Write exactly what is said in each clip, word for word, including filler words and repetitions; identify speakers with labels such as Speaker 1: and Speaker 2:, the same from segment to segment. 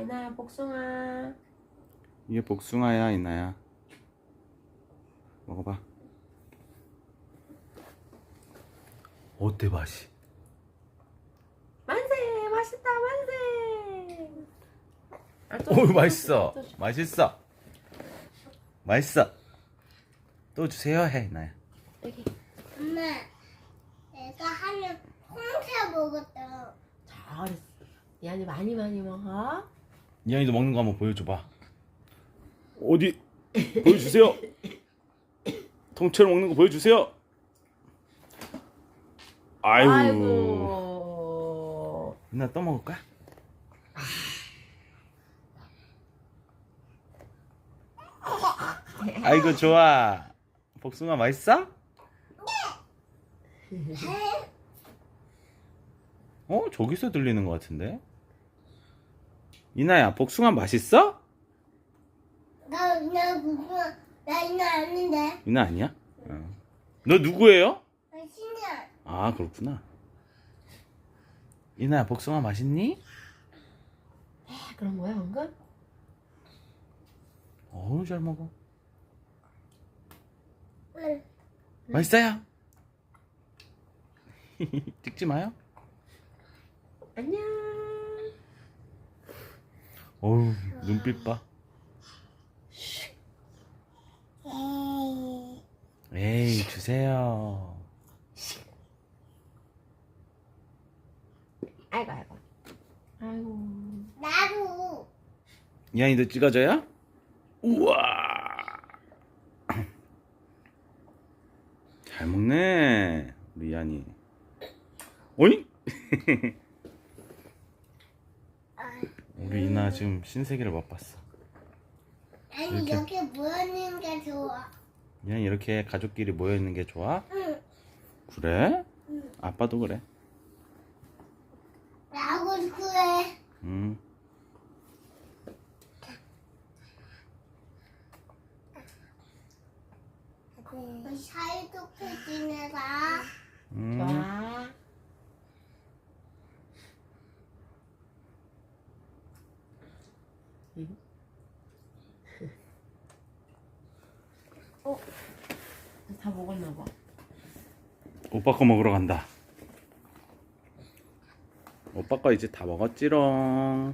Speaker 1: 이나야 복숭아.
Speaker 2: 이게 복숭아야, 이나야. 먹어봐. 어때, 맛이?
Speaker 1: 만세! 맛있다 만세! 아, 또
Speaker 2: 오,
Speaker 1: 줘,
Speaker 2: 맛있어.
Speaker 1: 또 줘.
Speaker 2: 맛있어. 맛있어. 또 주세요, 해, 이나야.
Speaker 1: 여기.
Speaker 3: 엄마, 내가 하면 홍차 먹었다.
Speaker 1: 잘했어. 이안이 많이 많이 먹어.
Speaker 2: 이한이도 먹는 거 한번 보여줘봐. 어디? 보여주세요. 통째로 먹는 거 보여주세요. 아이고.
Speaker 1: 아이고.
Speaker 2: 이나 또 먹을까? 아이고 좋아. 복숭아 맛있어? 어? 저기서 들리는 것 같은데? 이나야 복숭아 맛있어?
Speaker 3: 나, 나 그거, 나 이거 아닌데.
Speaker 2: 이나 아니야? 어. 너 누구예요?
Speaker 3: 나 신기해.
Speaker 2: 아 그렇구나. 이나야 복숭아 맛있니?
Speaker 1: 아, 그런 거야 방금?
Speaker 2: 어우 잘 먹어.
Speaker 3: 응.
Speaker 2: 맛있어요? 찍지 마요.
Speaker 1: 안녕.
Speaker 2: 어우 눈빛 봐.
Speaker 3: 에이.
Speaker 2: 에이 주세요.
Speaker 1: 아이고 아이고. 아이고.
Speaker 3: 나도.
Speaker 2: 이한이도 찍어줘요? 우와 잘 먹네 우리 이한이. 어이? 우리 이나 지금 신세계를 맛봤어.
Speaker 3: 아니,
Speaker 2: 이렇게.
Speaker 3: 이렇게 모여있는 게 좋아.
Speaker 2: 이한이 이렇게 가족끼리 모여있는 게 좋아?
Speaker 3: 응.
Speaker 2: 그래?
Speaker 3: 응.
Speaker 2: 아빠도 그래.
Speaker 3: 나하고 그래.
Speaker 2: 음.
Speaker 3: 우리 사이좋게 지내자.
Speaker 2: 음.
Speaker 1: 좋아. 응? 어? 다 먹었나 봐.
Speaker 2: 오빠 거 먹으러 간다. 오빠 거 이제 다 먹었지롱.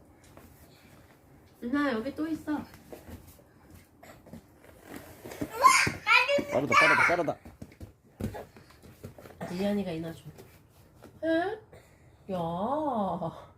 Speaker 1: 누나 여기 또 있어.
Speaker 2: 빠르다 빠르다 빠르다.
Speaker 1: 이안이가 이나 줘. 에? 야.